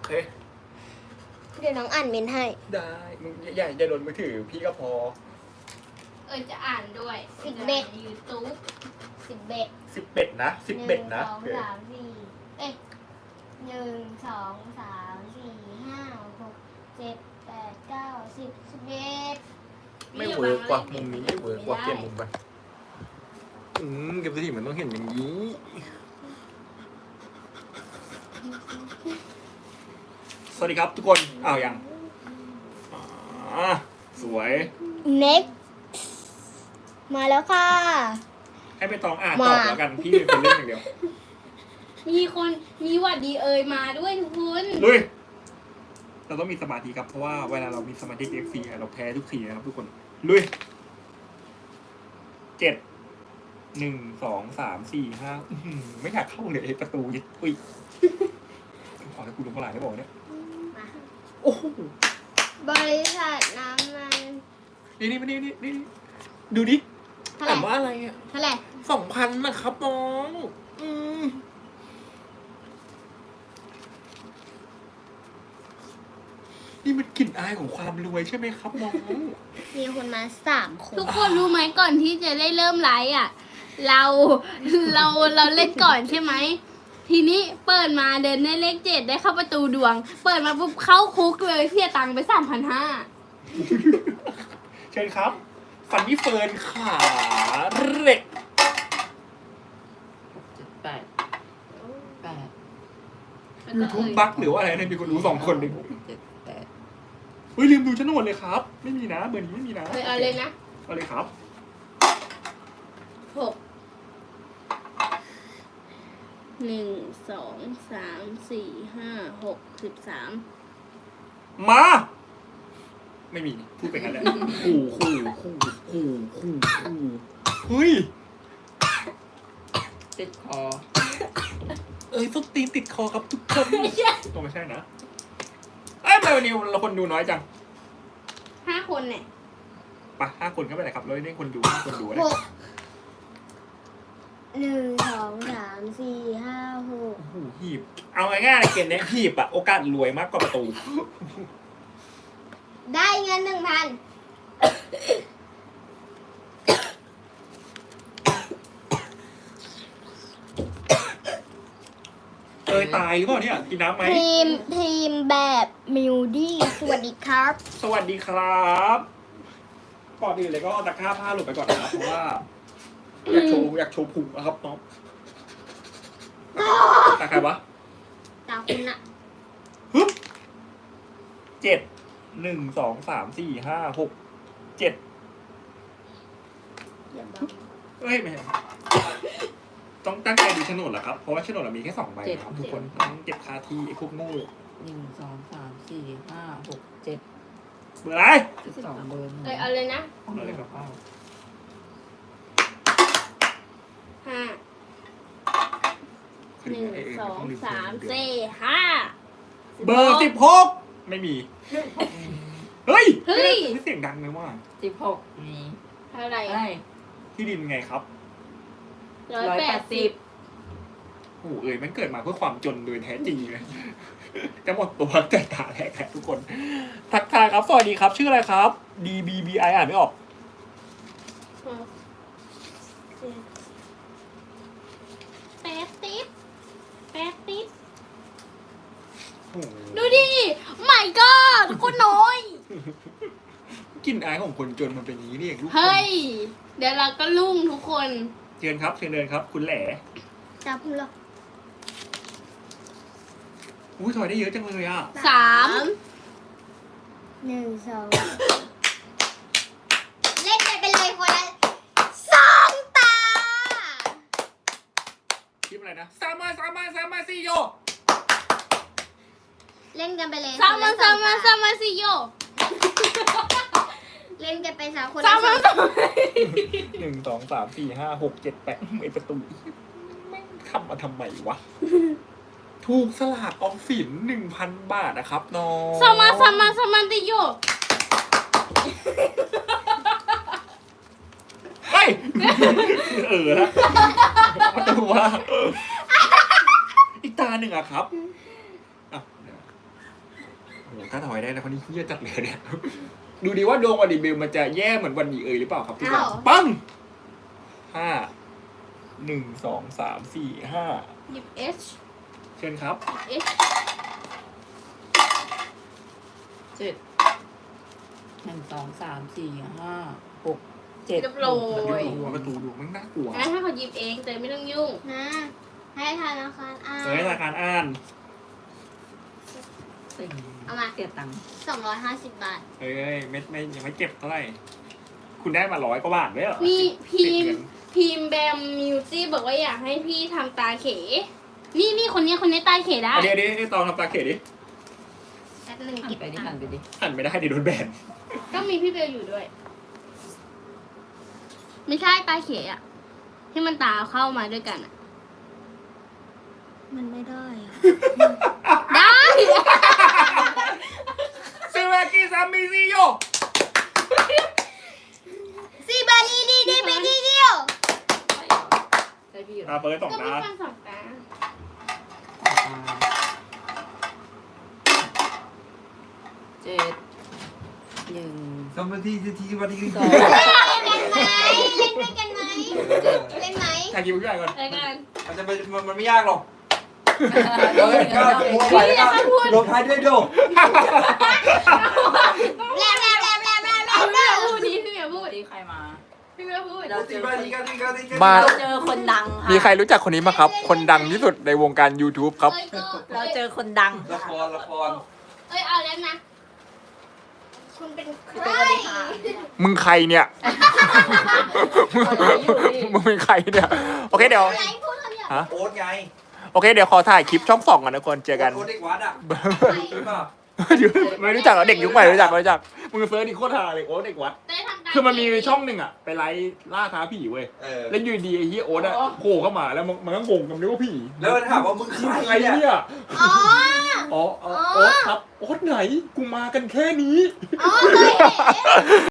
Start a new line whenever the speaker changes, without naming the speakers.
เค
เดี๋ยวน้องอ่านเมนให้
ได้มึงอย่าโดนมือถือพี่ก็พอ
จะอ่านด้วย
ยูทูบ11
11นะ11นะ
1 2 3 4เอ๊ะ1 2 3 4 5 6 7 8 9 10 11
ไม่เวิร์กกว่ามุมนี้ไม่เวิร์กกว่าเปลี่ยนมุมไปเก็บสถิติมันต้องเห็นอย่างนี้ สวัสดีครับทุกคนอ้าวยังสวย
next มาแล้วค่ะ
ให้ไปตองอ่านตอบแล้วกันพี่เป็นเล่นอย่างเดียว
มีหวัดดีมาด้วยทุกคน
ลุยเราต้องมีสมาธิครับเพราะว่าเวลาเรามีสมาธิเอฟซีเราแพ้ทุกทีนะครับทุกคนลุย7 1 2 3 4 5ไม่อยากเข้าเลยประตูยิดอุ้ยขอให้กูลงมาหลายได้บอกเนี่ยโอ้โห
บริษัทน้ำมัน
นี่ดูดิ
เท่าไห
อ่า
ร่
นว่าอะไรอ่ะ
เท่าไหร่
2,000นะครับน้องนี่มันกลิ่นอายของความรวยใช่ไหมครับน้อง
มีคนมา3 คน
ทุกคนรู้ไหมก่อนที่จะได้เริ่มไลฟ์เราเล่นก่อนใช่ไหมทีนี้เปิดมาเดินได้เลข7ได้เข้าประตูดวง เปิดมาปุ๊บเข้าคุกเลยเสียตังค์ไป 3,500
เชิญครับ ฟันนี่เฟิร์นขาเหล็ก
8
ยูทูบบั๊กหรือว่าอะไรเนี่ยมีคนรู้2 คนเลย
7 8
เฮ้ยลืมดูโฉนดเลยครับ ไม่มีนะเบอร์นี้ไม่มีนะ
เอาเลยนะ
เอาเลยครับ
6 1 2 3 4 5 6 13
มา ไม่มีพูดไปกันแหละคู่เฮ้ย
ติดคอ
ส้นตีนติดคอครับทุกคนตัวไม่ใช่นะทำไมวันนี้เราคนดูน้อยจัง
5 คนเนี่ย
ไป5 คนก็ไปเลยครับเราได้คนดู5 คนดูนะ
6 1 2 3 4 5 6
โอ้โหหีบ เอาง่ายๆในเกมนี้หีบอะโอกาสรวยมากกว่าประตู
ได้เงิน 1,000
ตายหรือเปล่าเนี่ยกินน้ำไหม
ทีมแบบมิวดี้สวัสดีครับ
สวัสดีครับก่อนอื่นเลยก็เอาตะกร้าผ้าหลุดไปก่อนนะครับเพราะว่าอยากโชว์พุงนะครับน้องตาใครวะ
ตาคุณอะ
ฮึบ7 1 2 3 4 5 6 7
อย่าบอก
เฮ้ยไม่ใช่ต้องตั้งใจดูโฉนดเหรอครับเพราะว่าโฉนดเรามีแค่2 ใบนะครับทุกคนต้องเก็บคาที่ไอ้พวกโง่
1 2 3 4 5 6 7
เบอร์อะไร
12เบอร์
เอาเลยนะ
เอาเลยครับ
5 1 2 3 4 5
เบอร์16ไม่มีเฮ้ย
เฮ้ย
เสียงดังเลยว่า
16มี
เท่าไหร่
อะไร
ที่ดินไงครับ
180
โอ้โหมันเกิดมาเพื่อความจนโดยแท้จริงเลยจะหมดตัวแต่ตาแหกทุกคนทักทายครับสวัสดีครับชื่ออะไรครับ DBBI อ่านไม่ออก
80
โอ้โห
ดูดิไม่ก็คนน้อย
กลิ่นอายของคนจนมันเป็นอย่างนี้นี่เองลูก
เฮ้ย เดี๋ยวเราก็ลุ่งทุกคน
เชิญครับเชิญเดินครับ คุณแหล่
ตาคุณหรอ
อุ้ยถอยได้เยอะจังเลยอ่ะ
3
1 2 เล่นกันไปเลยคนละ2 ตา
คลิปอะไรนะสามมาสี่โย
เล่นกันไปเลย
สามมาสิโย
เล่นกันไป3 คน
สามมา
1 2 3 4 5 6 7 8ไอประตูแม่งทำมาทำไมวะ ถูกสลากออมสิน 1,000 บาทนะครับน้อง
สามมาสิโย
เฮ้ยแล้วประตูว่าอีกตาหนึ่งอะครับอ่ะเดี๋ยวถ้าถอยได้แล้วคนนี้เฮี้ยจัดเลยเนี่ย ดูดีว่าดวงวันดีเบลมันจะแย่เหมือนวันดีเอ๋ยหรือเปล่าครับทุกคนปั้ง5 1 2 3 4 5
หยิบ H
เชิญครับ
H
เจ็ด1 2 3 4 5 6 7
เรียบร้อย
ดูประตูดูมันน่ากลัว
งั้นถ้าเขาหยิบเองเตยไม่ต้องยุ่ง
นะให้ธนาคารอ่าน
เฮ้ยรายการอ่าน
สิ่ง
เอามา
เสียตังค์
250 บาท
เฮ้ยไม่ยังไม่เก็บเท่าไหร่คุณได้มา100 กว่าบาทด้วยเหรอ
นี่พิ
ติด
ม
เงิ
พ์
น
พิมพ์แบมมิวซี่บอกว่าอยากให้พี่ทำตาเข นี่คนนี้ตาเขได้
เดี๋ยวตองทำตาเขตดิ
แป๊บนึง
หัน
เก็บ
ไปดิ
ตั
หั
ง
น
ค์
ไปดิ
หันไม่ได้เดี๋ยวโดนแบน
ก็มีพี่เบลอยู่ด้วย ไม่ใช่ตาเขอะที่มันตาเข้ามาด้วยกันอะ
มันไม่ได้อะ
ได้
ซูเวกิซามิซิโย
ซีบานีดีดีไปดีเดียว
ใช่พี่เหรอ
เปิดสอง
ก็มี
ตา
ฟันสองตา
เจ็ดหนึ่ง
สมมติที่วันที่
สอง
เล่นด้วยกันไหมเล่นไหม
ถ่ายคลิปผู้ใหญ่ก่อน
รายการ
มันจะมันไม่ยากหรอกเดี๋ยวก้าวโมไปแล้วก็ลงท้ายด้วยโด
แล้
พี่เบลพูดดิพี่เบลพูด
วันนี้ใครมา
พี่เบลพูด
เราเจอคน
มา
เราเจอคนดังค่ะ
มีใครรู้จักคนนี้ไหมครับ คนดังที่สุดในวงการ YouTube ครับ
เอ้ยก็
เราเจอคนดัง
ละคร
เอ้ยเอาแล้วนะ
คุณเป็นใค
พี่
ร
เต้สวัสดีค่ะ
มึงใครเนี่ย มึงเป็นใครเนี่ย โอเคเดี๋ยว
อะไรพูดคำหยาบ
ฮะ
โอ๊ตไง
โอเคเดี๋ยวขอถ่ายคลิปช่อง2กันนะคนเจอกัน
โอ๊ตเด็กวัดอ่ะใช่ป่ะ
ไม่รู้จักเหรอเด็กยุคใหม่ไม่รู้จักมึงเฟิร์สนี่โคตรฮาเลยโอ๊ตเด็กวัด
เต้ยทำตา
คือมันมีช่องหนึ่งอะไปไล่ล่าท้าผีเว้ย แล้วอยู่ดีไอ้เฮียโอ๊ตอะโผล่เข้ามาแล้วมันก็งงกันนึกว่าผี
แล้วถามว่ามึง
มึง
ใค
ใค
ร
ร
เนี่ย
เนี่ย
อ๋อ
อ๋อโอ๊ตครับโอ๊ตไหนกูมากันแค่นี้
อ๋อเคยเห็น